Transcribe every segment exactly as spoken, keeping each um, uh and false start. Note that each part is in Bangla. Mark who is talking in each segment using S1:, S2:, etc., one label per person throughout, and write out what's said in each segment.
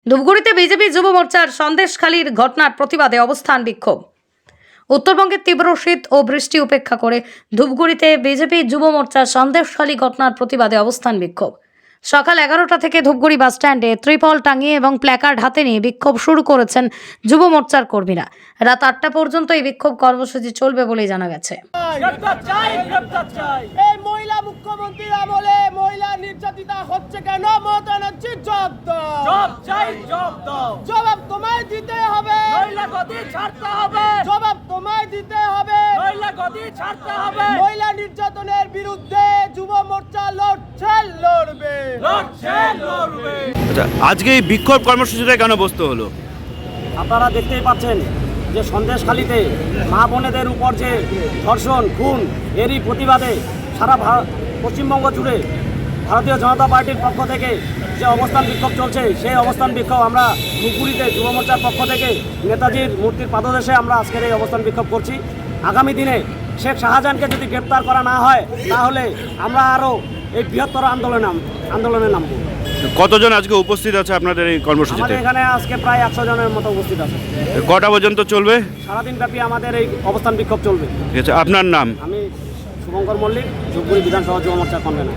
S1: ধূপগুড়িতে বিজেপি যুব মোর্চার সন্দেশখালীর ঘটনার প্রতিবাদে অবস্থান বিক্ষোভ। উত্তরবঙ্গের তীব্র শীত ও বৃষ্টি উপেক্ষা করে ধূপগুড়িতে বিজেপি যুব মোর্চার সন্দেশখালী ঘটনার প্রতিবাদে অবস্থান বিক্ষোভ। সকাল এগারোটা থেকে ধূপগুড়ি বাসস্ট্যান্ডে ত্রিপল টাঙিয়ে এবং প্ল্যাকার্ড হাতে নিয়ে বিক্ষোভ শুরু করেছেন যুব মোর্চার কর্মীরা। রাত আটটা পর্যন্ত এই বিক্ষোভ কর্মসূচি চলবে বলেই জানা গেছে।
S2: গ্রেপ্তার চাই, গ্রেপ্তার চাই। এই মহিলা মুখ্যমন্ত্রীর আমলে মহিলা নির্যাতিতা হচ্ছে কেন? মমতা ব্যানার্জি জবাব দাও। জবাব চাই, জবাব দাও। জবাব তোমায় দিতে হবে, মহিলা গদি ছাড়তে হবে। জবাব তোমায় দিতে হবে, মহিলা গদি ছাড়তে হবে। মহিলা নির্যাতনের বিরুদ্ধে যুব মোর্চা লড়ছে, লড়বে, লড়ছে, লড়বে।
S3: আচ্ছা, আজকে এই বিক্ষোভ কর্মসূচিটা কেন বসতে হলো?
S4: আপনারা দেখতেই পাচ্ছেন যে সন্দেশখালীতে মা বোনেদের উপর যে ধর্ষণ, খুন, এরই প্রতিবাদে সারা পশ্চিমবঙ্গ জুড়ে ভারতীয় জনতা পার্টির পক্ষ থেকে যে অবস্থান বিক্ষোভ চলছে, সেই অবস্থান বিক্ষোভ আমরা ধূপগুড়িতে যুব মোর্চার পক্ষ থেকে নেতাজির মূর্তির পাদদেশে আমরা আজকের এই অবস্থান বিক্ষোভ করছি। আগামী দিনে শেখ শাহজাহানকে যদি গ্রেপ্তার করা না হয়, তাহলে আমরা আরও এই বৃহত্তর আন্দোলনে আন্দোলনে নামব।
S3: কতজন আজকে উপস্থিত আছে আপনাদের এই কর্মসূচিতে?
S4: আমাদের এখানে আজকে প্রায় একশো জনের মতো উপস্থিত আছে।
S3: কটা পর্যন্ত চলবে?
S4: সারাদিন ব্যাপী আমাদের এই অবস্থান বিক্ষোভ চলবে।
S3: ঠিক আছে, আপনার নাম?
S4: আমি শুভঙ্কর মল্লিক, ধূপগুড়ি বিধানসভা যুব মোর্চার কনভেনর।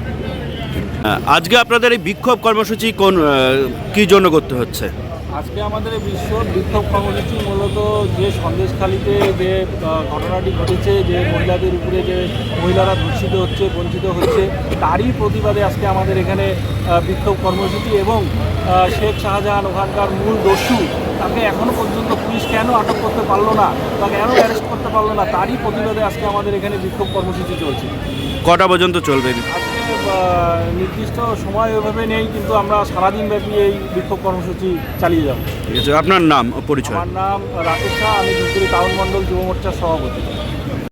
S3: আজকে আপনাদের এই বিক্ষোভ কর্মসূচি কোন কি জন্য করতে হচ্ছে?
S5: আজকে আমাদের বিশ্ব বিক্ষোভ কর্মসূচি মূলত যে সন্দেশখালীতে যে ঘটনাটি ঘটেছে, যে মহিলাদের উপরে যে মহিলারা ধর্ষিত হচ্ছে, বঞ্চিত হচ্ছে, তারই প্রতিবাদে আজকে আমাদের এখানে বিক্ষোভ কর্মসূচি। এবং শেখ শাহজাহান ওখানকার মূল দস্যু, তাকে এখনও পর্যন্ত পুলিশ কেন আটক করতে পারলো না, তাকে কেন অ্যারেস্ট করতে পারলো না, তারই প্রতিবাদে আজকে আমাদের এখানে বিক্ষোভ কর্মসূচি চলছে।
S3: কটা পর্যন্ত চলবে?
S5: আজকে নির্দিষ্ট সময় ওইভাবে নেই, কিন্তু আমরা সারাদিন ব্যাপী এই বিক্ষোভ কর্মসূচি চালিয়ে যাব।
S3: ঠিক আছে, আপনার নাম ও পরিচয়?
S5: আমার নাম রাকেশ শাহ, আমি ধূপগুড়ি টাউন মণ্ডল যুব মোর্চার সভাপতি।